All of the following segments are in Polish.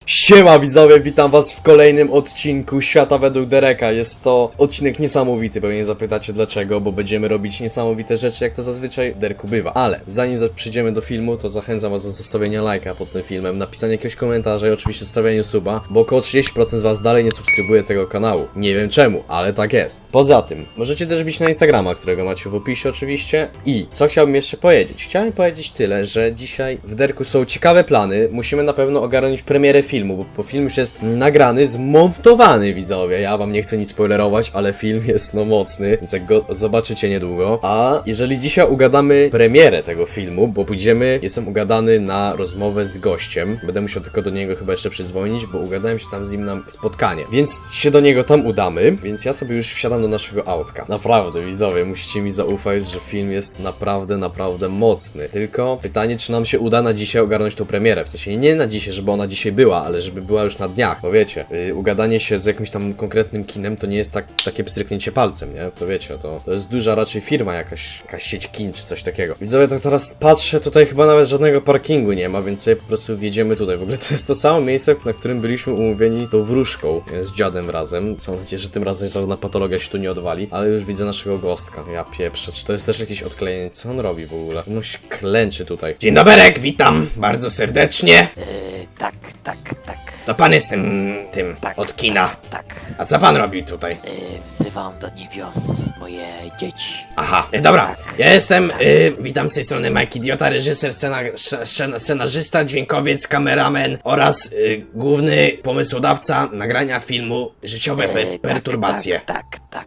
Siema widzowie, witam was w kolejnym odcinku Świata według Dereka. Jest to odcinek niesamowity, pewnie zapytacie dlaczego, bo będziemy robić niesamowite rzeczy, jak to zazwyczaj w Derku bywa. Ale zanim przejdziemy do filmu, to zachęcam was do zostawienia lajka pod tym filmem, napisania jakiegoś komentarza i oczywiście zostawienia suba, bo około 30% z was dalej nie subskrybuje tego kanału. Nie wiem czemu, ale tak jest. Poza tym, możecie też bić na Instagrama, którego macie w opisie oczywiście. I co chciałbym jeszcze powiedzieć? Chciałem powiedzieć tyle, że dzisiaj w Derku są ciekawe plany. Musimy na pewno ogarnąć premierę filmu, bo film już jest nagrany, zmontowany, widzowie. Ja wam nie chcę nic spoilerować, ale film jest no mocny, więc jak go zobaczycie niedługo. A jeżeli dzisiaj ugadamy premierę tego filmu, bo jestem ugadany na rozmowę z gościem. Będę musiał tylko do niego chyba jeszcze przydzwonić, bo ugadałem się tam z nim na spotkanie. Więc się do niego tam udamy, więc ja sobie już wsiadam do naszego autka. Naprawdę, widzowie, musicie mi zaufać, że film jest naprawdę mocny. Tylko pytanie, czy nam się uda na dzisiaj ogarnąć tą premierę. W sensie nie na dzisiaj, żeby ona dzisiaj była, ale żeby była już na dniach, bo wiecie, ugadanie się z jakimś tam konkretnym kinem to nie jest takie pstryknięcie palcem, nie? To wiecie, to jest duża raczej firma, jakaś sieć kin czy coś takiego. Widzowie, to teraz patrzę, tutaj chyba nawet żadnego parkingu nie ma, więc sobie po prostu wjedziemy tutaj. W ogóle to jest to samo miejsce, na którym byliśmy umówieni tą wróżką z dziadem razem. Mam nadzieję, że tym razem żadna patologia się tu nie odwali, ale już widzę naszego gostka. Ja pieprzę, czy to jest też jakieś odklejenie? Co on robi w ogóle? No się klęczy tutaj. Dzień doberek, witam bardzo serdecznie. Tak. To pan jest tym Tak, od kina. Tak. A co pan robi tutaj? Wzywam do niebios moje dzieci. Aha, dobra, Tak. ja jestem, witam z tej strony Mike Idiota, reżyser, scenarzysta, dźwiękowiec, kameraman oraz główny pomysłodawca nagrania filmu Życiowe perturbacje. Tak.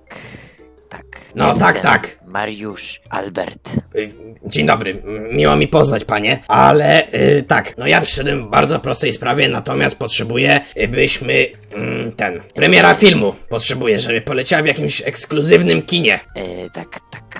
No, Jestem tak. Mariusz Albert. Dzień dobry, miło mi poznać panie, ale tak, no ja przyszedłem w bardzo prostej sprawie, natomiast potrzebuję, byśmy, premiera filmu potrzebuję, żeby poleciała w jakimś ekskluzywnym kinie. Tak.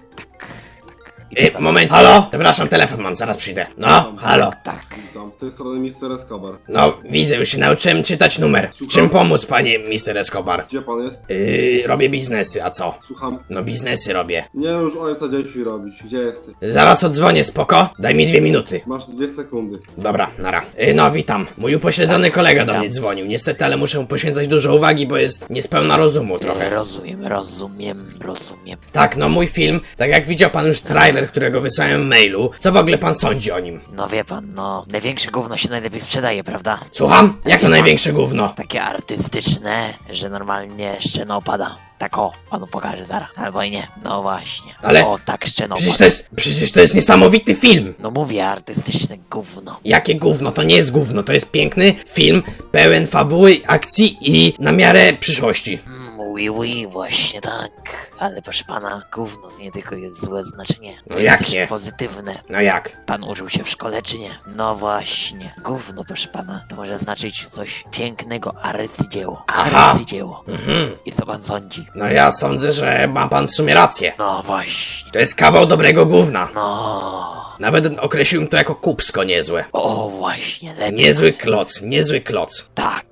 Moment, halo? Przepraszam, telefon mam, zaraz przyjdę. No, halo. Tak. Witam, z tej strony Mr. Escobar. No, widzę, już się nauczyłem czytać numer. Czym pomóc, panie Mr. Escobar? Gdzie pan jest? Robię biznesy, a co? Słucham. No, biznesy robię. Nie już ojca dzieci robić. Gdzie jesteś? Zaraz odzwonię, spoko? Daj mi 2 minuty. Masz 2 sekundy. Dobra, nara. No, witam. Mój upośledzony kolega do mnie dzwonił. Niestety, ale muszę mu poświęcać dużo uwagi, bo jest niespełna rozumu trochę. Rozumiem. Tak, no mój film, tak jak widział pan już trailer, którego wysłałem w mailu, co w ogóle pan sądzi o nim? No wie pan, największe gówno się najlepiej sprzedaje, prawda? Słucham? Jak to największe gówno? Takie artystyczne, że normalnie szczeno opada. Tak o, panu pokażę zaraz. Albo i nie. No właśnie. Ale O, tak szczeno Przecież to jest niesamowity film! No mówię, artystyczne gówno. Jakie gówno? To nie jest gówno, to jest piękny film, pełen fabuły, akcji i na miarę przyszłości. Oui, właśnie tak. Ale proszę pana, gówno z nie tylko jest złe znaczenie. No To jak jest też nie? pozytywne. No jak? Pan użył się w szkole, czy nie? No właśnie. Gówno, proszę pana, to może znaczyć coś pięknego, arcydzieło. Aha. Arcydzieło. I co pan sądzi? No ja sądzę, że ma pan w sumie rację. No właśnie. To jest kawał dobrego gówna. No. Nawet określiłbym to jako kupsko niezłe. O, właśnie, lepiej. Niezły kloc. Tak.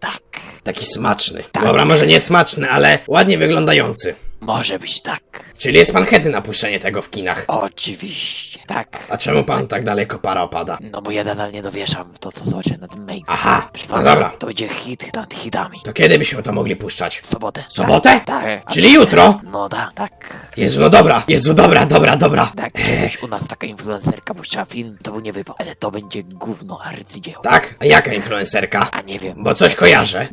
Taki smaczny. Dobra, może nie smaczny, ale ładnie wyglądający. Może być tak. Czyli jest pan chętny na puszczenie tego w kinach. Oczywiście. Tak. A czemu pan tak daleko para opada? No bo ja nadal nie dowieszam w to, co zobaczę na tym mailu. Aha, Proszę no pana, dobra. to będzie hit nad hitami. To kiedy byśmy to mogli puszczać? W sobotę. W sobotę? Tak. Czyli jutro? No tak. Jezu, no dobra. Jezu, dobra. Tak, kiedyś u nas taka influencerka puszczała film, to był nie wypał, ale to będzie gówno arcydzieło. Tak? A jaka influencerka? A nie wiem, Bo coś kojarzę.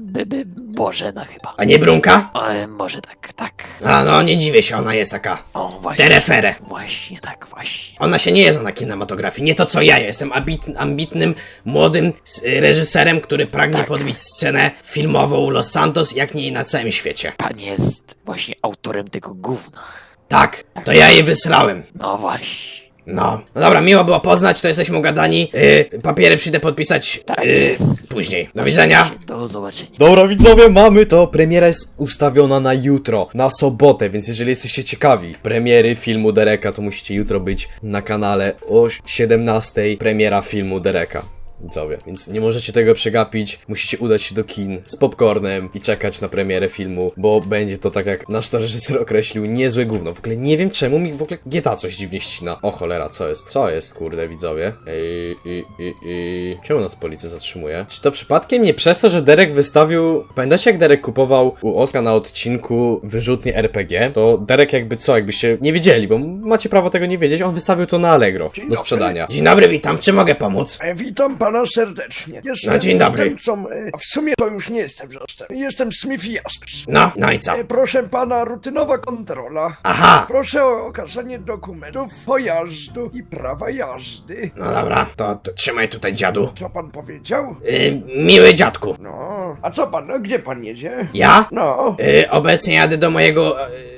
Bożena chyba. A nie Brunka? Może tak. A no, nie dziwię się, ona jest taka O, właśnie. terefere. Właśnie, tak, właśnie. Ona się nie zna na kinematografii, nie to co ja. Jestem ambitnym, młodym reżyserem, który pragnie Tak. podbić scenę filmową Los Santos, jak nie na całym świecie. Pan jest właśnie autorem tego gówna. Tak, to ja jej wysłałem. No właśnie. No dobra, miło było poznać, to jesteśmy ugadani. Papiery przyjdę podpisać Tak jest. później. Do widzenia. Do zobaczenia. Dobra widzowie, mamy to. Premiera jest ustawiona na jutro, na sobotę, więc jeżeli jesteście ciekawi premiery filmu Dereka, to musicie jutro być na kanale o 17:00. Premiera filmu Dereka. widzowie. Więc nie możecie tego przegapić, musicie udać się do kin z popcornem i czekać na premierę filmu, bo będzie to, tak jak nasz reżyser określił, niezłe gówno. W ogóle nie wiem czemu mi w ogóle GTA coś dziwnie ścina. O cholera, co jest? Co jest, kurde, widzowie? Czemu nas policja zatrzymuje? Czy to przypadkiem nie przez to, że Derek wystawił... Pamiętacie, jak Derek kupował u Oska na odcinku wyrzutnie RPG? To Derek jakby co, jakbyście nie wiedzieli, bo macie prawo tego nie wiedzieć, on wystawił to na Allegro do sprzedania. Dzień dobry, witam, w czym mogę pomóc? Witam pana serdecznie. Jestem No, dzień dobry. zastępcą, a w sumie to już nie jestem zastępcą. Jestem Smith Jaspers. No i co? Proszę pana, rutynowa kontrola. Aha, Proszę o okazanie dokumentów pojazdu i prawa jazdy. no dobra, to trzymaj tutaj, dziadu. Co pan powiedział? Miły dziadku. No, a co pan, no, gdzie pan jedzie? Ja? No, Obecnie jadę do mojego...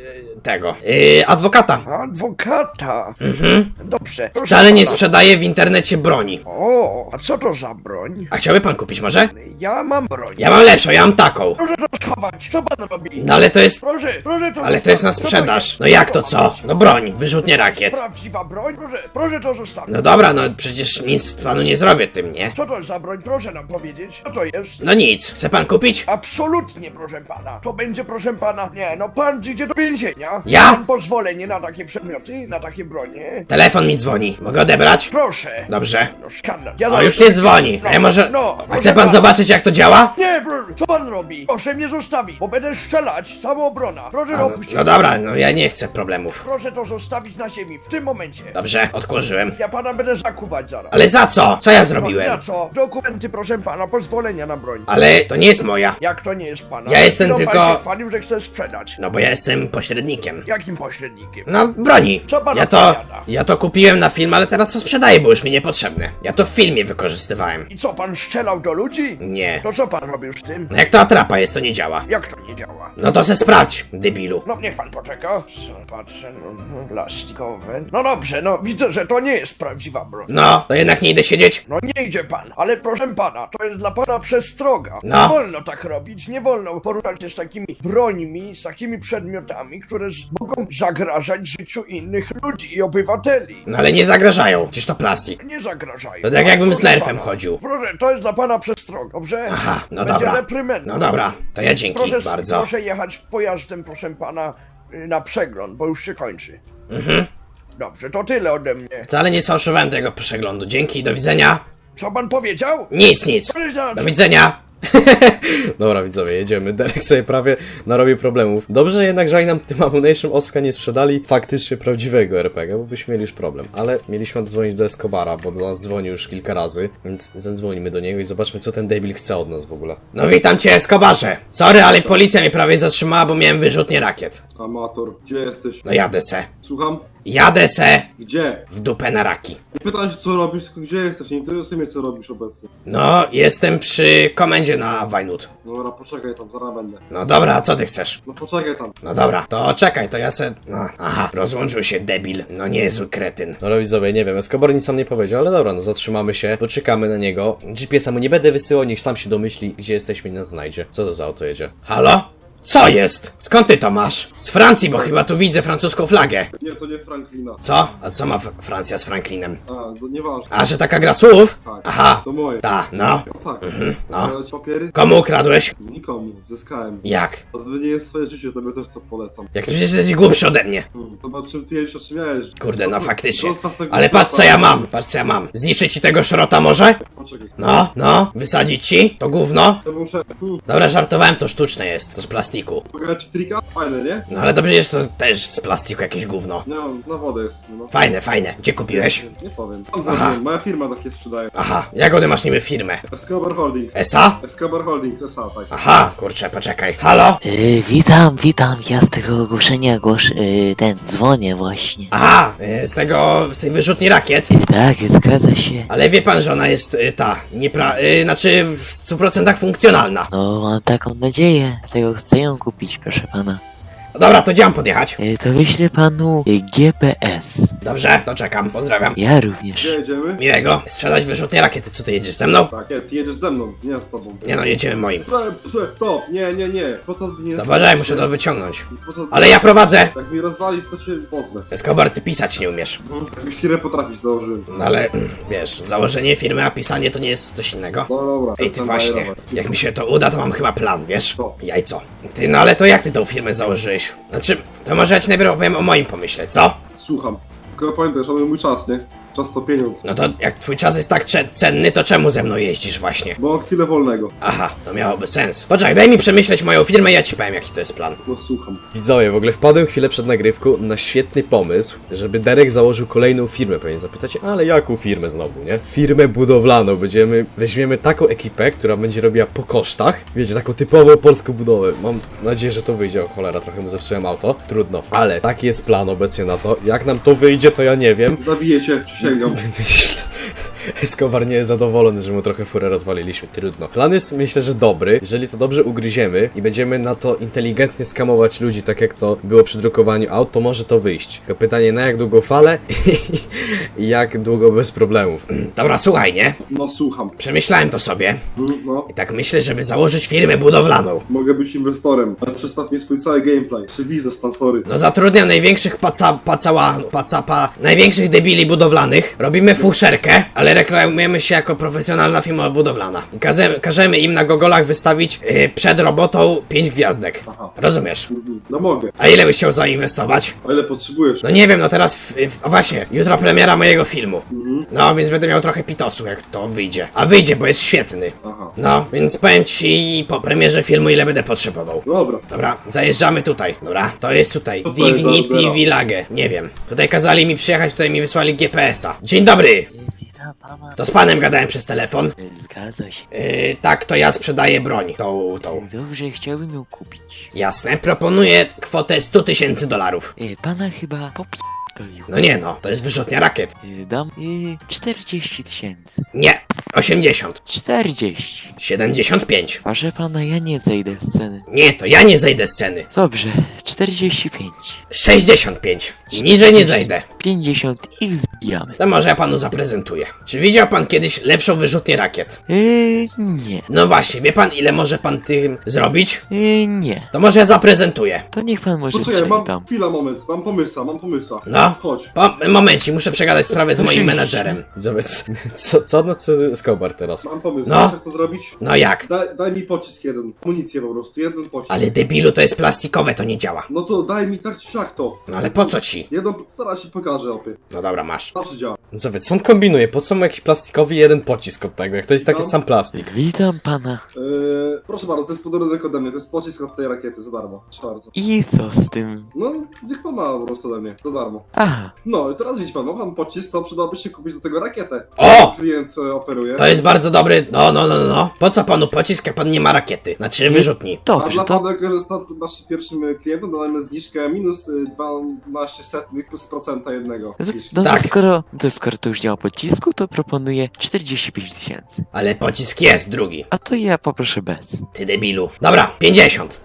adwokata. adwokata. Dobrze. Proszę Wcale nie pana. sprzedaję w internecie broni. O, a co to za broń? A chciałby pan kupić może? Ja mam broń. Ja mam lepszą, ja mam taką. Proszę to schować. Co pan robi? No ale to jest... Proszę to Ale to jest na zostawić. Co sprzedaż. jest? No jak to co? No broń, wyrzutnie rakiet. Prawdziwa broń? Proszę to zostawić. No dobra, no przecież nic panu nie zrobię tym, nie? Co to jest za broń? Proszę nam powiedzieć. Co to jest? No nic, chce pan kupić? Absolutnie, proszę pana. To będzie, proszę pana. Nie, no pan idzie do więzienia. Ja? Mam pozwolenie na takie przedmioty, na takie bronie. Telefon mi dzwoni. Mogę odebrać? Proszę. Dobrze. No skandal. Ja O, zaraz- już nie dzwoni. A ja może... No, A chce pan zobaczyć jak to działa? Nie, co pan robi? Proszę mnie zostawić, bo będę strzelać. Samoobrona. Proszę No, opuścić. no dobra, no ja nie chcę problemów. Proszę to zostawić na ziemi w tym momencie. Dobrze, odkurzyłem. Ja pana będę zakuwać zaraz. Ale za co? Co ja No, zrobiłem? za co? Dokumenty, proszę pana, pozwolenia na broń. Ale to nie jest moja. Jak to nie jest pana? Ja jestem No, tylko- Pan się chwalił, że chce sprzedać. No bo ja jestem pośrednikiem. Jakim pośrednikiem? No, broni. Co pan Ja to... opowiada? Ja to kupiłem na film, ale teraz to sprzedaję, bo już mi niepotrzebne. Ja to w filmie wykorzystywałem. I co, pan strzelał do ludzi? Nie. To co pan robił z tym? No jak to atrapa jest, to nie działa. Jak to nie działa? No to se sprawdź, debilu. No niech pan poczeka. Co, patrzę, no, plastikowe. No dobrze, no widzę, że to nie jest prawdziwa broń. No, to jednak nie idę siedzieć. No nie idzie pan, ale proszę pana, to jest dla pana przestroga. No. Nie wolno tak robić, nie wolno poruszać się z takimi brońmi, z takimi przedmiotami, które mogą zagrażać życiu innych ludzi i obywateli. No ale nie zagrażają, przecież to plastik. Nie zagrażają. To tak jakbym z Proszę nerfem pana. chodził. Proszę, to jest dla pana przestroga, dobrze? Aha, no Będzie dobra. reprymenda. No dobra, to ja dzięki bardzo. Proszę jechać pojazdem, proszę pana, na przegląd, bo już się kończy. Dobrze, to tyle ode mnie. Wcale nie sfałszowałem tego przeglądu. Dzięki, do widzenia. Co pan powiedział? Nic. Do widzenia. Dobra, widzowie, jedziemy. Derek sobie prawie narobił problemów. Dobrze jednak, że oni nam tym Ammunition Oska nie sprzedali faktycznie prawdziwego RPG, bo byśmy mieli już problem. Ale mieliśmy dzwonić do Escobara, bo do nas dzwonił już kilka razy, więc zadzwonimy do niego i zobaczmy, co ten debil chce od nas w ogóle. No witam cię, Escobarze. Sorry, ale policja mnie prawie zatrzymała, bo miałem wyrzutnie rakiet. Amator, gdzie jesteś? No jadę se. Słucham? Jadę se Gdzie? w dupę na raki. Nie pytam się co robisz, tylko gdzie jesteś, nie interesuje mnie co robisz obecnie. No, jestem przy komendzie na Wajnut. Dobra, poczekaj tam, zaraz będę. No dobra, a co ty chcesz? No poczekaj tam. No dobra, to czekaj, to ja se... No, aha, rozłączył się debil. No niezły kretyn. No widzowie, nie wiem, Escobar nic nam nie powiedział, ale dobra, no zatrzymamy się, poczekamy na niego. GPS-a mu nie będę wysyłał, niech sam się domyśli, gdzie jesteśmy i nas znajdzie. Co to za auto jedzie? Halo? Co jest? Skąd ty to masz? Z Francji, bo chyba tu widzę francuską flagę. Nie, to nie Franklina. Co? A co ma Francja z Franklinem? A, to nieważne. A, że taka gra słów? Tak. Aha. To moje. Ta, no. No tak. no. Ale ci papiery? Komu ukradłeś? Nikomu, zyskałem. Jak? To nie jest swoje życie, tobie też to polecam. Jak ty przecież jesteś głupszy ode mnie. Zobacz czym ty jedziesz, o czym miałeś. Kurde, no faktycznie. Zostaw tego Ale patrz co szrota. ja mam, patrz co ja mam. Zniszczyć ci tego szrota może? Poczekaj. No, wysadzić ci to gówno? To muszę... Dobra, żartowałem, to sztuczne jest, to z plastiku. Pograć ci trika? Fajne, nie? No ale to przecież to też z plastiku jakieś gówno. No, na wodę jest, no. Fajne. Gdzie kupiłeś? Nie powiem. Tam Aha. zrobiłem, moja firma takie sprzedaje. Aha, jak one masz niby firmę? Escobar Holdings. ESA? Escobar Holdings, SA, tak. Aha, kurczę, poczekaj. Halo? Witam, ja z tego ogłoszenia dzwonię właśnie. Aha, z tej wyrzutni rakiet. Tak, zgadza się. Ale wie pan, że ona jest znaczy w 100% funkcjonalna. No, mam taką nadzieję, dlatego chcę ją kupić, proszę pana. Dobra, to gdzie mam podjechać? To wyślę panu GPS. Dobrze, to czekam, pozdrawiam. Ja również. Gdzie jedziemy? Miłego. Sprzedać wyrzutnie rakiety, co ty jedziesz ze mną? Tak, nie, ty jedziesz ze mną, nie ja z tobą. Nie no, jedziemy moim. Stop, nie. Po to nie. Dobra, muszę to wyciągnąć. Po to- Ale ja prowadzę! Jak mi rozwalisz, to cię pozwę. Escobar, ty pisać nie umiesz. Jak mi firmę potrafisz, założyłem. No ale, wiesz, założenie firmy, a pisanie to nie jest coś innego. No dobra. Ej, ty przestań właśnie, bajerować. jak mi się to uda, to mam chyba plan, wiesz? Co? Jajco. Ty, no ale to jak ty tą firmę założyłeś? Znaczy, to może ja ci najpierw opowiem o moim pomyśle, co? Słucham. Tylko pamiętaj, szanuj mój czas, nie? Czas to pieniądz. No to jak twój czas jest tak cenny, to czemu ze mną jeździsz właśnie? Bo mam chwilę wolnego. Aha, to miałoby sens. Poczekaj, daj mi przemyśleć moją firmę i ja ci powiem, jaki to jest plan. No słucham. Widzowie, w ogóle wpadłem chwilę przed nagrywką na świetny pomysł, żeby Derek założył kolejną firmę. Pewnie zapytacie, ale jaką firmę znowu, nie? Firmę budowlaną. Weźmiemy taką ekipę, która będzie robiła po kosztach. Wiecie, taką typową polską budowę. Mam nadzieję, że to wyjdzie. O cholera, trochę mu zepsułem auto. Trudno. Ale taki jest plan obecnie na to. Jak nam to wyjdzie, to ja nie wiem. Zabiję cię, przysięgam. Escobar nie jest zadowolony, że mu trochę furę rozwaliliśmy. Trudno. Plan jest, myślę, że dobry. Jeżeli to dobrze ugryziemy i będziemy na to inteligentnie skamować ludzi, tak jak to było przy drukowaniu aut, to może to wyjść. Tylko pytanie, na jak długo fale i jak długo bez problemów. Dobra, słuchaj, nie? No słucham. Przemyślałem to sobie No. i tak myślę, żeby założyć firmę budowlaną. Mogę być inwestorem, ale przedstaw mi swój cały gameplay. Czy biznes, pan sorry. No zatrudniam największych największych debili budowlanych. Robimy fuszerkę, ale reklamujemy się jako profesjonalna firma budowlana. Każemy im na gogolach wystawić przed robotą 5 gwiazdek. Aha. Rozumiesz? No mogę. A ile byś chciał zainwestować? A ile potrzebujesz? No nie wiem, no teraz, o właśnie, jutro premiera mojego filmu. No, więc będę miał trochę pitosu, jak to wyjdzie. A wyjdzie, bo jest świetny. Aha. No, więc powiem ci po premierze filmu, ile będę potrzebował. Dobra. Dobra, zajeżdżamy tutaj. Dobra, to jest tutaj. Co to jest za Dignity odbiera? Village. Nie wiem. Tutaj kazali mi przyjechać, tutaj mi wysłali GPS-a. Dzień dobry! Witam pana. To z panem gadałem przez telefon. Zgadza się. Tak, to ja sprzedaję broń. Tą. Dobrze, chciałbym ją kupić. Jasne, proponuję kwotę $100,000. Pana chyba popierdolił. No nie no, to jest wyrzutnia rakiet. Dam 40 000. Nie, 80. 40. 75. Proszę pana, ja nie zejdę z ceny. Nie, to ja nie zejdę z ceny. Dobrze, 45. 65. Niżej nie zejdę. 50 i zbijamy. To może ja panu zaprezentuję. Czy widział pan kiedyś lepszą wyrzutnię rakiet? Nie. No właśnie, wie pan ile może pan tym zrobić? Nie. To może ja zaprezentuję. To niech pan może Poczekaj, strzeli mam tam. chwila, moment. Mam pomysła. No. Chodź. Momencie, muszę przegadać sprawę z moim Oczywiście. menadżerem. Zobacz, co od nas chce Escobar teraz? Mam pomysł. No. Wiesz, jak to zrobić? No jak? Daj mi pocisk jeden. Amunicję po prostu. Jeden pocisk. Ale debilu, to jest plastikowe, to nie działa. No to daj mi tak czy siak to. No ale po co ci? Jedną... Zaraz ci pokażę, opie. No dobra, masz. Zawsze działa. Zobacz, co on kombinuje? Po co mu jakiś plastikowy jeden pocisk od tego, jak to jest taki No. sam plastik? Witam pana. Proszę bardzo, to jest podarunek ode mnie. To jest pocisk od tej rakiety, za darmo. Proszę bardzo. I co z tym? No, niech pan ma po prostu ode mnie. Za darmo. Aha, No i teraz widzi pan, ma pan pocisk, to przydałoby się kupić do tego rakietę. O! Klient oferuje. To jest bardzo dobry. No. Po co panu pocisk, jak pan nie ma rakiety? Znaczy wyrzutni. A dobrze, dla to... pana, że jest naszym pierwszym klientem, dodajemy zniżkę minus 12 setnych plus procenta jednego. No Tak. skoro to już działa pocisku, to proponuję 45 000. Ale pocisk jest drugi. A to ja poproszę bez. Ty debilu. Dobra, 50.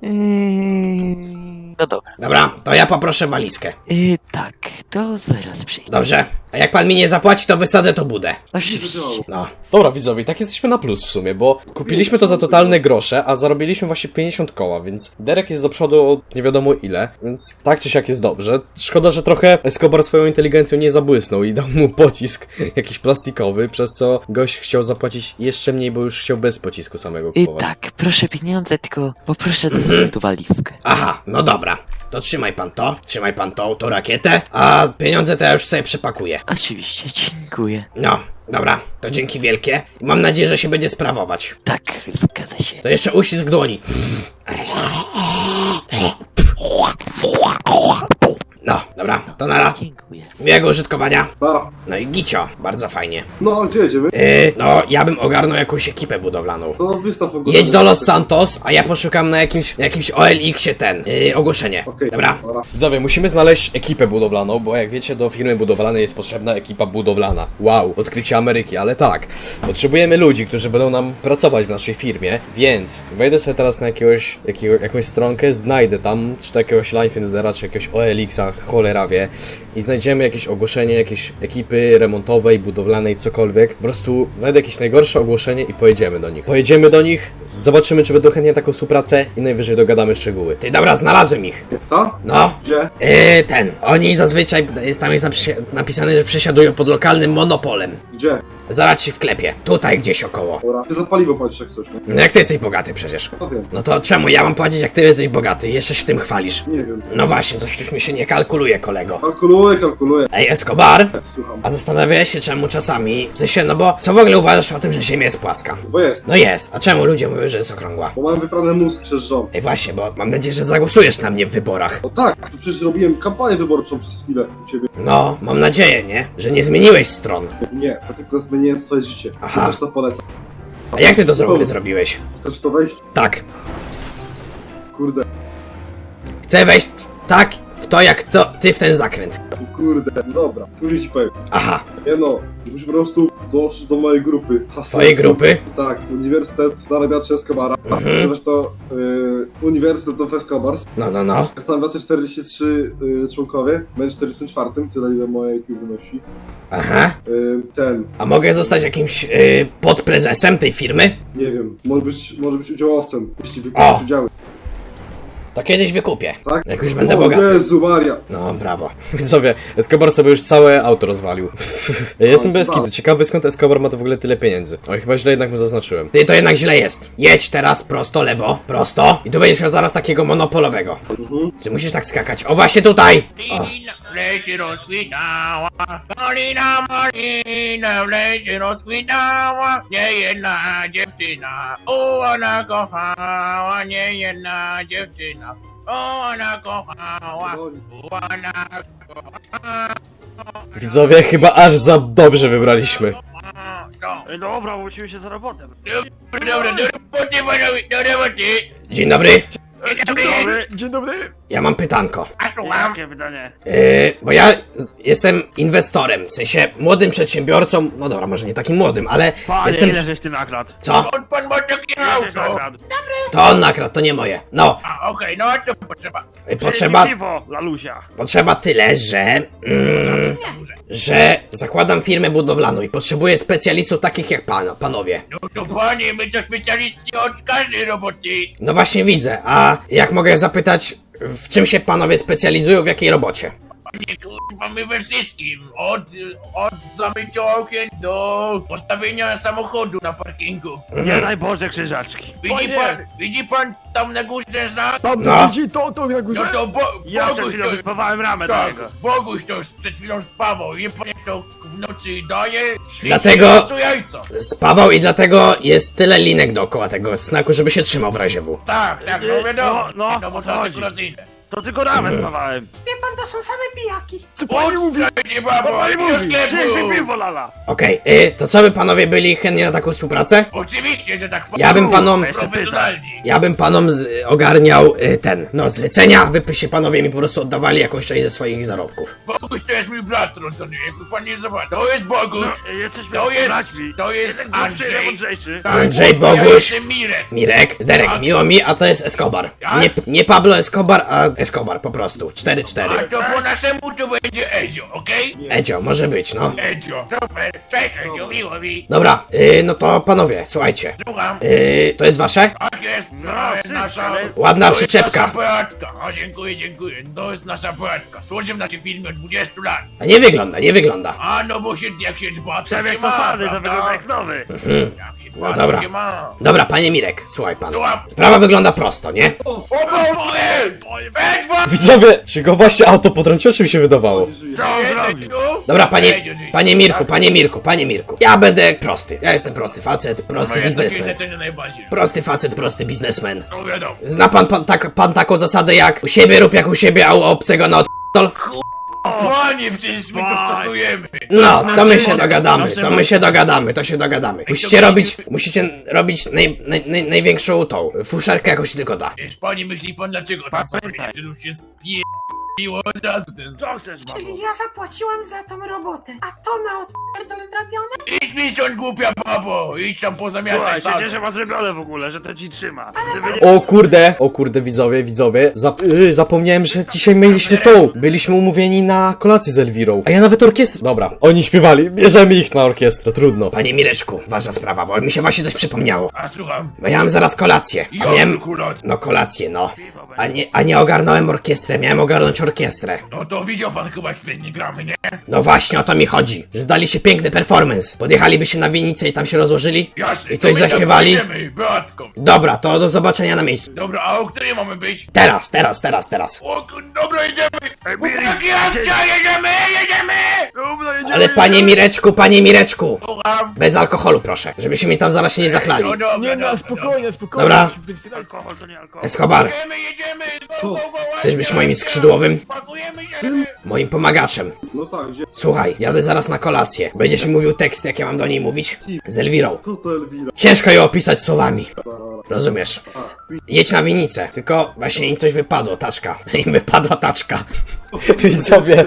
No dobra. Dobra, to ja poproszę walizkę. Tak, to zaraz przyjdę. Dobrze. A jak pan mi nie zapłaci, to wysadzę to budę. Oczywiście. No. Dobra widzowie, tak jesteśmy na plus w sumie, bo kupiliśmy to za totalne grosze, a zarobiliśmy właśnie 50 koła, więc Derek jest do przodu o nie wiadomo ile, więc tak czy siak jest dobrze. Szkoda, że trochę Escobar swoją inteligencją nie zabłysnął i dał mu pocisk jakiś plastikowy, przez co gość chciał zapłacić jeszcze mniej, bo już chciał bez pocisku samego kupować. Tak, proszę pieniądze, tylko poproszę to sobie tu walizkę. Aha, no dobra. To trzymaj pan tą rakietę, a pieniądze to ja już sobie przepakuję. Oczywiście, dziękuję. No, dobra, to dzięki wielkie. Mam nadzieję, że się będzie sprawować. Tak, zgadza się. To jeszcze uścisk dłoni. No, dobra, to nara. Dziękuję. Miłego użytkowania. Dobra. No i gicio, bardzo fajnie. No, gdzie jedziemy? No, ja bym ogarnął jakąś ekipę budowlaną. To wystaw ogłoszenie. Jedź do Los Santos, a ja poszukam na jakimś OLX-ie ogłoszenie. Okej, Dobra? Widzowie, musimy znaleźć ekipę budowlaną, bo jak wiecie, do firmy budowlanej jest potrzebna ekipa budowlana. Wow, odkrycie Ameryki, ale tak. Potrzebujemy ludzi, którzy będą nam pracować w naszej firmie, więc wejdę sobie teraz na jakąś stronkę, znajdę tam, czy to jakiegoś Linefindera, czy jakiegoś OLX-a, cholera wie, i znajdziemy jakieś ogłoszenie, jakieś ekipy remontowej, budowlanej, cokolwiek. Po prostu znajdę jakieś najgorsze ogłoszenie i pojedziemy do nich. Pojedziemy do nich, zobaczymy, czy będą chętnie taką współpracę i najwyżej dogadamy szczegóły. Ty, dobra, znalazłem ich. Co? No. Gdzie? Oni zazwyczaj, tam jest napisane, że przesiadują pod lokalnym monopolem. Gdzie? Zaraz ci wklepię. Tutaj gdzieś około. Dobra. Ty za paliwo płacisz jak coś, nie? No jak ty jesteś bogaty przecież. To wiem. No to czemu ja mam płacić, jak ty jesteś bogaty? Jeszcze się tym chwalisz. Nie wiem. No właśnie, coś mi się nie kalkuluje, kolego. Kalkuluję. Ej, Escobar, Słucham. a zastanawiałeś się czemu czasami, w sensie, no bo co w ogóle uważasz o tym, że Ziemia jest płaska? Bo jest. No jest, a czemu ludzie mówią, że jest okrągła? Bo mam wyprany mózg przez rząd. Ej właśnie, bo mam nadzieję, że zagłosujesz na mnie w wyborach. No tak, to przecież robiłem kampanię wyborczą przez chwilę u ciebie. No, mam nadzieję, nie? Że nie zmieniłeś stron. Nie, to tylko zmieniłem swoje życie. Aha. Też to polecam. A jak ty to zrobiłeś? Chcesz to wejść? Tak. Kurde, Chcę wejść tak w to, jak ty w ten zakręt. kurde, dobra. Już ci powiem. Aha, Nie no, musisz po prostu dołączyć do mojej grupy. twojej grupy? Tak, Uniwersytet Zarabiaczy Escobara. Zresztą Uniwersytet of Escobars. No. Jest tam 43 członkowie. Będę 44, tyle ile moje IQ wynosi. Aha. Ten, A mogę zostać jakimś podprezesem tej firmy? nie wiem, może być udziałowcem, jeśli O! wykupisz udziały. To kiedyś wykupię. Tak? Jak już będę O bogaty. Jezu Maria! No, brawo. Widzowie, Escobar sobie już całe auto rozwalił. Jestem bez wow. kitu, ciekawy skąd Escobar ma to w ogóle tyle pieniędzy. Oj, chyba źle jednak mu zaznaczyłem. Ty, to jednak źle jest. Jedź teraz prosto, lewo, prosto i tu będziesz miał zaraz takiego monopolowego. Czy musisz tak skakać? O, właśnie tutaj! O. W lesie rozkwitała, malina, malina, w lesie rozkwitała, niejedna dziewczyna, ona kochała, niejedna dziewczyna, ona kochała, ona kochała. Widzowie, chyba aż za dobrze wybraliśmy. Co? Dobra, musimy się za robotę. Dobra, do roboty panowie, do roboty. Dzień dobry. Dzień dobry. Ja mam pytanko. A słucham? Jakie pytanie? Bo ja jestem inwestorem, w sensie młodym przedsiębiorcą, no dobra, może nie takim młodym, ale Panie, jestem... ile żeś ty nakradł? Co? On pan ma takie Ile żeś auto? nakradł? To on nakradł, to nie moje. No, A okej, no a co potrzeba? potrzeba... Piwo, lalusia. Potrzeba tyle, że zakładam firmę budowlaną i potrzebuję specjalistów takich jak panowie. No to panie, my to specjaliści od każdej roboty. No właśnie widzę, a jak mogę zapytać, w czym się panowie specjalizują, w jakiej robocie? Nie kurwa, my we wszystkim. Od zamycia okien do postawienia samochodu na parkingu. Nie daj Boże krzyżaczki. Widzi pan tam na górze ten znak? Tam No. widzi to na górze? No to Ja przed Boguś chwilą to... wyspawałem ramę do Tak, niego. Boguś to przed chwilą spawał. I pan jak to w nocy daje, świeci Dlatego- to jajco. Spawał i dlatego jest tyle linek dookoła tego znaku, żeby się trzymał w razie W. Tak, no wiadomo. No, bo o to to chodzi. sekuracyjne. To tylko ramę spawałem. Co pani mówi? Nie babo, Co pani do mówi? sklepu. Przynieś mi piwo, lala. Okej, to co by panowie byli chętni na taką współpracę? Oczywiście, że tak Ja bym panom... profesjonalni. Ja bym panom ogarniał zlecenia, wy się panowie mi po prostu oddawali jakąś część ze swoich zarobków. Boguś to jest mój brat rodzony, jakby pan nie zobaczył. To jest Boguś. No, jesteśmy To jest, braćmi. to jest Jestem gorszy, Andrzej. najmądrzejszy. Tak, Andrzej, Ja Boguś. jestem Mirek. Mirek, Derek, miło mi, a to jest Escobar. Jak? Nie Pablo Escobar, a Escobar po prostu. A 4-4. to po naszemu to będzie Ezio, okej? Edzio, może być, no. Ezio, super, cześć Ezio, miło mi. Dobra, no to panowie, słuchajcie. Słucham. To jest wasze? Tak jest, No, to jest wszystko, nasza... ale- Ładna to jest przyczepka. nasza Beatka. O, dziękuję. To jest nasza Beatka. Służę w naszej firmie od 20 lat. A nie wygląda. A no bo jak się dba, to Przebieg się ma, cofany, to prawda? wygląda jak nowy. Jak się dba, No to dobra. się ma. Dobra, panie Mirek, słuchaj pan. Słucham. Sprawa wygląda prosto, nie? O Boże! Edward! Widzowie, czy go właśnie auto potrąciło, czy mi się wydawało? Co on zrobił? Dobra, panie Mirku. Ja będę prosty. Ja jestem prosty facet, prosty biznesmen. najbardziej. Prosty facet, prosty biznesmen. No wiadomo. Zna pan taką zasadę jak u siebie rób jak u siebie, a u obcego na odpol? Panie, przecież my to stosujemy. No, to my się nasze- dogadamy, nasze- to my się dogadamy, to się dogadamy. Musicie robić największą tą fuszerkę, jaką się tylko da. Wiesz, panie, myśli pan dlaczego to Pamiętaj. że już się spiło od razu ten... Co chcesz, Czyli babo? ja zapłaciłam za tą robotę, a to na odpierdol zrobione? Idź mi stąd, głupia babo! Idź tam pozamiataj Słuchaj, się sam. cieszę was zrobione w ogóle, że to ci trzyma. Gdyby nie... O kurde, widzowie, zapomniałem, że dzisiaj mieliśmy byliśmy umówieni na kolację z Elwirą, a ja nawet orkiestrę, dobra, oni śpiewali, bierzemy ich na orkiestrę, trudno. Panie Mireczku, ważna sprawa, bo mi się właśnie coś przypomniało. A słucham? Bo ja mam zaraz kolację. A miałem... Jak akurat? No kolację, no. A nie ogarnąłem orkiestrę, miałem ogarnąć orkiestrę. No to widział pan chyba, jak świetnie gramy, nie? No właśnie o to mi chodzi, że zdali się piękny performance. Podjechaliby się na winnicę i tam się rozłożyli? Jasne. I coś to my tam zaśpiewali? pójdziemy, Beatką. Dobra, to do zobaczenia na miejscu. Dobra, a o której mamy być? Teraz. O, dobra, jedziemy! Miri, Chłopaki, akcja, jedziemy! Dobra, jedziemy. Ale panie Mireczku, Słucham? bez alkoholu proszę, żebyśmy mi tam zaraz się nie zachlali. No dobra, Nie, no dobra, spokojnie. Dobra, Alkohol to nie alkohol. Escobar, Jedziemy! Go, chcesz być moim skrzydłowym? Pakujemy się! Moim pomagaczem. No tak, gdzie? Słuchaj, jadę zaraz na kolację. Będziesz mi mówił teksty, jak ja mam do niej mówić? Z Elwirą. Co to Elwira? Ciężko ją opisać słowami. Rozumiesz? Jedź na winnicę, tylko właśnie im coś wypadło, taczka. Im wypadła taczka. Widzowie.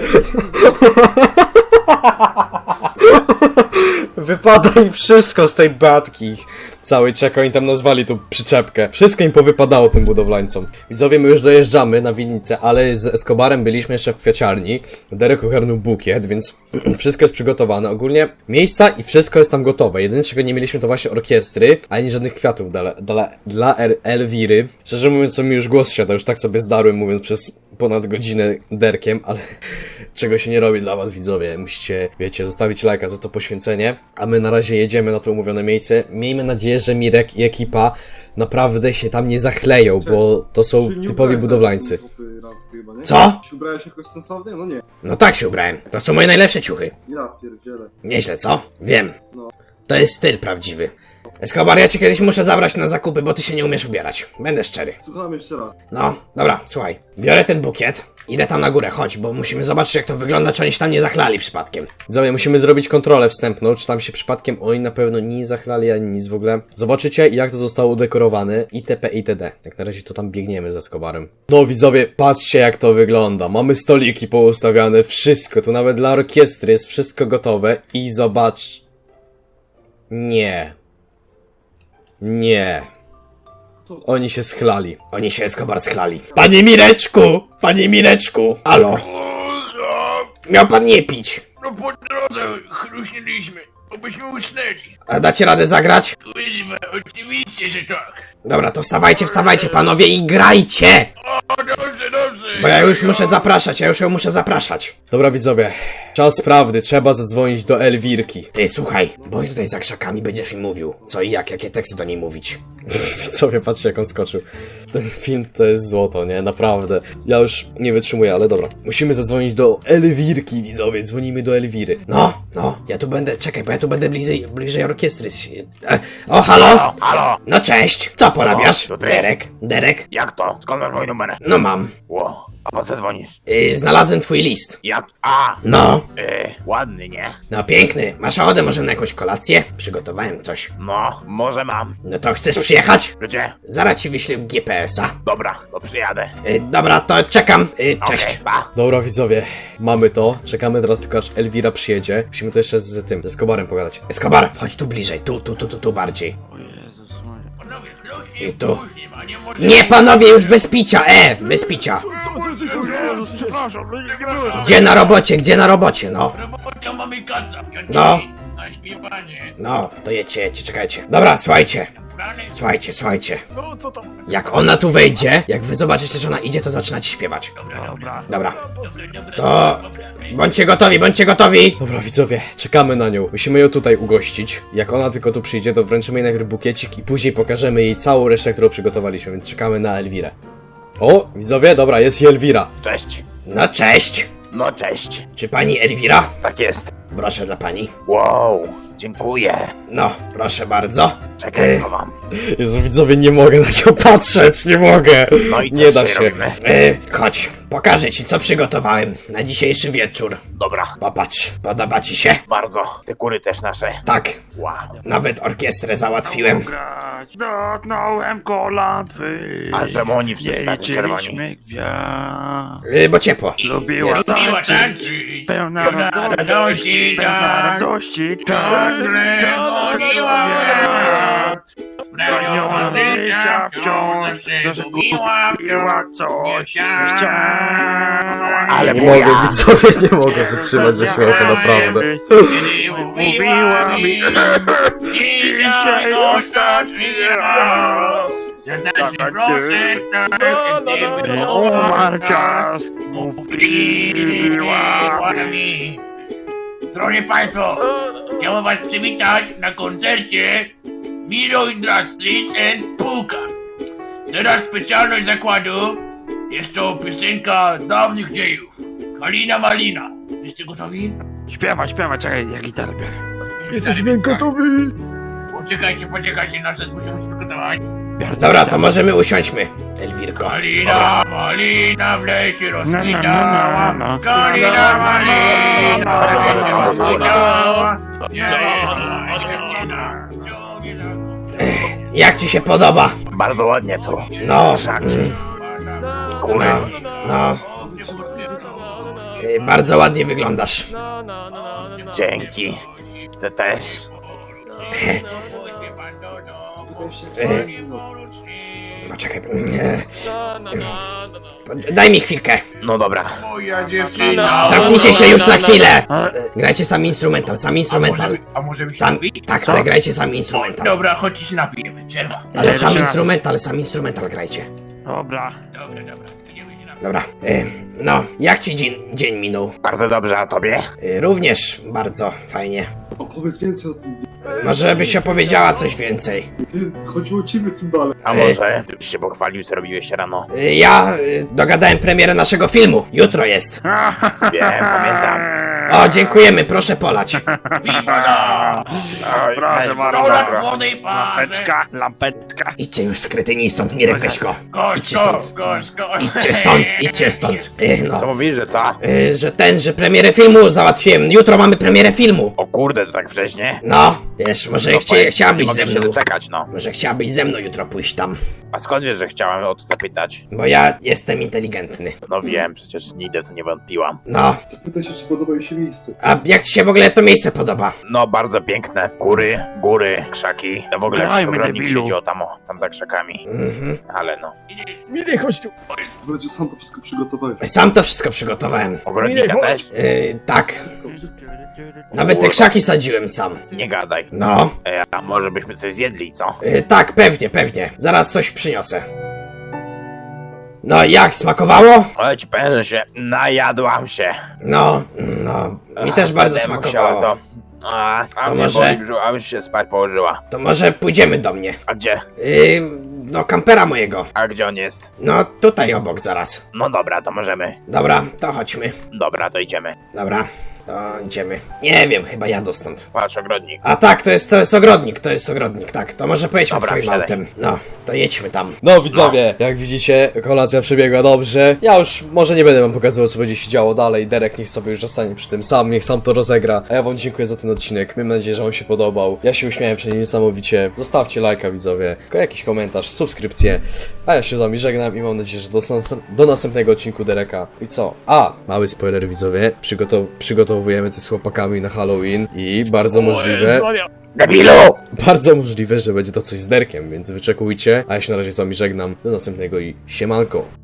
Wypada im wszystko z tej batki. Cały czek, oni tam nazwali tu przyczepkę. Wszystko im powypadało tym budowlańcom. Widzowie, my już dojeżdżamy na winnicę, ale z Escobarem byliśmy jeszcze w kwiaciarni. Derek ogarnął bukiet, więc wszystko jest przygotowane. Ogólnie miejsca i wszystko jest tam gotowe. Jedyne czego nie mieliśmy to właśnie orkiestry, ani żadnych kwiatów dla Elwiry. Szczerze mówiąc, to mi już głos siada, już tak sobie zdarłem mówiąc przez ponad godzinę derkiem, ale czego się nie robi dla was, widzowie. Musicie, wiecie, zostawić lajka za to poświęcenie, a my na razie jedziemy na to umówione miejsce. Miejmy nadzieję, że Mirek i ekipa naprawdę się tam nie zachleją, bo to są Czy nie typowi ubrałeś budowlańcy. na tym randku chyba, nie? Co? Czy ubrałeś jakoś sensownie? No nie. No tak się ubrałem. To są moje najlepsze ciuchy. Ja pierdzielę. Nieźle, co? Wiem. No. To jest styl prawdziwy. Escobar, ja cię kiedyś muszę zabrać na zakupy, bo ty się nie umiesz ubierać. Będę szczery. Słucham jeszcze raz. No, dobra, słuchaj. Biorę ten bukiet, idę tam na górę, chodź, bo musimy zobaczyć jak to wygląda, czy oni się tam nie zachlali przypadkiem. Widzowie, musimy zrobić kontrolę wstępną, czy tam się przypadkiem oni na pewno nie zachlali ani nic w ogóle. Zobaczycie, jak to zostało udekorowane, itp. itd. Jak na razie to tam biegniemy ze Escobarem. No widzowie, patrzcie jak to wygląda. Mamy stoliki poustawiane, wszystko, tu nawet dla orkiestry jest wszystko gotowe i zobacz... Nie. Oni się schlali. Oni się Escobar schlali. Panie Mireczku! Halo, miał pan nie pić. No po drodze chruśniliśmy, obyśmy usnęli. A dacie radę zagrać? Kurwa, oczywiście, że tak. Dobra, to wstawajcie panowie i grajcie! O, dobrze. Bo ja już muszę zapraszać, ja już ją muszę zapraszać. Dobra widzowie, czas prawdy, trzeba zadzwonić do Elwirki. Ty, słuchaj, bądź tutaj za krzakami, będziesz mi mówił, co i jak, jakie teksty do niej mówić. Widzowie, patrzcie jak on skoczył. Ten film to jest złoto, nie? Naprawdę. Ja już nie wytrzymuję, ale dobra. Musimy zadzwonić do Elwirki, widzowie. Dzwonimy do Elwiry. No, ja tu będę, czekaj, bo ja tu będę bliżej orkiestry. O, halo? Halo, No cześć, co porabiasz? to ty? Derek? jak to? Skąd masz mój numer? No mam. Ło, a po co dzwonisz? Znalazłem twój list. Jak? A, No, ładny, nie? no piękny. Masz ochotę może na jakąś kolację? Przygotowałem coś. No, może mam. No to chcesz przyjechać? Gdzie? Zaraz ci wyślę GPS-a. Dobra, to przyjadę. Dobra, to czekam. Cześć. Okej, pa. Dobra widzowie, mamy to. Czekamy teraz tylko aż Elwira przyjedzie. Musimy to jeszcze z tym, ze Escobarem pogadać. Escobar, chodź tu bliżej, tu bardziej. Panowie, I chluśnie, tu. nie może... Nie, panowie, już bez picia, bez picia. Jezus, przepraszam, nie było. Gdzie na robocie, no. Robota mamy kaca, No. Na śpiewanie. No, to jedźcie, czekajcie. Dobra, słuchajcie. Rany, Słuchajcie. No, co tam? Jak ona tu wejdzie, jak wy zobaczycie, że ona idzie, to zaczynacie śpiewać. Dobra. Dobra, dobra. to bądźcie gotowi. Dobra widzowie, czekamy na nią. Musimy ją tutaj ugościć. Jak ona tylko tu przyjdzie, to wręczymy jej najpierw bukiecik i później pokażemy jej całą resztę, którą przygotowaliśmy, więc czekamy na Elwirę. O, widzowie, dobra, jest i Elwira. Cześć. No cześć. No, cześć. Czy pani Elwira? Tak jest. Proszę dla pani. Wow, Dziękuję. No, proszę bardzo. Czekaj, schowam. Jezu, widzowie, nie mogę na ciebie patrzeć, nie mogę. No i co Nie da dzisiaj się. robimy? Chodź, pokażę ci, co przygotowałem na dzisiejszy wieczór. Dobra, Popatrz, podoba ci się? bardzo. Te kury też nasze. Tak, Wow. nawet orkiestrę załatwiłem. Grać, dotknąłem kolan twych. A czemu oni wszyscy tacy czerwoni? Gwiazd. Bo ciepło. Lubiła Miła tańczyć, tańczyć, pełna radości, pełna radości, ciągle goniła mnie. Pragniona życia wciąż zagubiła coś, nie chciała. Ale Nie moja. mogę, widzowie, nie mogę wytrzymać ze śmiechu, naprawdę. Mówiła mi, dzisiaj ostatni raz. Serdecznie proszę, tak, gdyby Umarł czas, mówiła mi. Drodzy Państwo, chciałem Was przywitać na koncercie Miro Industries and Spółka. Teraz specjalność zakładu jest to piosenka dawnych dziejów. Kalina Malina. Jesteście gotowi? Śpiewa, czekaj, ja gitarę biorę. Jesteśmy gotowi. Poczekajcie, nasze musimy się przygotować. Dobra, to możemy usiądźmy, Elwirko. Kalina Malina w lesie rozkwitała. Kalina Malina w lesie rozkwitała. Jak ci się podoba? Bardzo ładnie tu. No, Kury. no. Bardzo ładnie wyglądasz. Dzięki. Ty też. Poczekaj. Daj mi chwilkę. No dobra. Moja dziewczyna. Zamknijcie się już na chwilę. Grajcie sam instrumental, sam instrumental. A może być Sam, tak, ale grajcie sam instrumental. Dobra, chodźcie się napijemy. Przerwa. Ale sam instrumental grajcie. Dobra. Dobra, idziemy się napijemy. Dobra. No, jak ci dzień minął? Bardzo dobrze, a tobie? Również bardzo fajnie. Opowiedz więcej o tym. Może byś opowiedziała coś więcej. Chodziło o ciebie, cymbale. A może byś się pochwalił, co robiłeś rano? Ja dogadałem premierę naszaszego filmu. Jutro jest. Wiem, pamiętam. O, dziękujemy, proszę polać. Wigoda! Oj, Proszę weź, bardzo. dobra. Dolar młodej parze. Lampeczka. Idźcie już z kretyni stąd, Mirek, weź go. Idźcie stąd. Gorzko. Idźcie stąd. Co No, mówisz, że co? że premierę filmu załatwiłem. Jutro mamy premierę filmu. O kurde, to tak wcześnie? No, wiesz, może No, powiem, chciałabyś nie ze mogę się mną. doczekać, no. Może chciałabyś ze mną jutro pójść tam. A skąd wiesz, że chciałem o to zapytać? Bo ja jestem inteligentny. No wiem, przecież nigdy w to nie wątpiłam. No, Zapytaj się, czy podoba jej się miejsce. a jak ci się w ogóle to miejsce podoba? No, bardzo piękne. Góry, krzaki. To w ogóle jakiś ogrodnik siedział tam za krzakami. Mhm. Ale no. Wreszcie sam to wszystko przygotowałeś. Sam to wszystko przygotowałem. Ogrodnika też? Tak. Nawet te krzaki sadziłem sam. Nie gadaj. No, A może byśmy coś zjedli, co? tak, pewnie. Zaraz coś przyniosę. No, jak, smakowało? Ale ci powiem, że się najadłam się. No, mi też bardzo Będę musiała smakowało. to. A To mnie może- boli brzuch, abym się spać położyła. To może pójdziemy do mnie. A gdzie? Do kampera mojego. A gdzie on jest? No, tutaj obok zaraz. No dobra, to możemy. Dobra, to chodźmy. Dobra, to idziemy. Dobra, to idziemy. Nie wiem, chyba jadę stąd. Patrz, ogrodnik. A tak, to jest ogrodnik, tak. To może pojedźmy Dobra, twoim wsiadaj. autem. No, to jedźmy tam. No widzowie, jak widzicie, kolacja przebiegła dobrze. Ja już może nie będę wam pokazywał, co będzie się działo dalej. Derek niech sobie już zostanie przy tym sam, niech sam to rozegra. A ja wam dziękuję za ten odcinek. Mam nadzieję, że wam się podobał. Ja się uśmiałem przed nim niesamowicie. Zostawcie lajka, widzowie, jakiś komentarz, subskrypcję. A ja się z wami żegnam i mam nadzieję, że do następnego odcinku Dereka. I co? Mały spoiler, widzowie. Przygotowujemy coś z chłopakami na Halloween i bardzo możliwe... Debilu! Bardzo możliwe, że będzie to coś z Derkiem, więc wyczekujcie. A ja się na razie z wami żegnam. Do następnego i siemanko.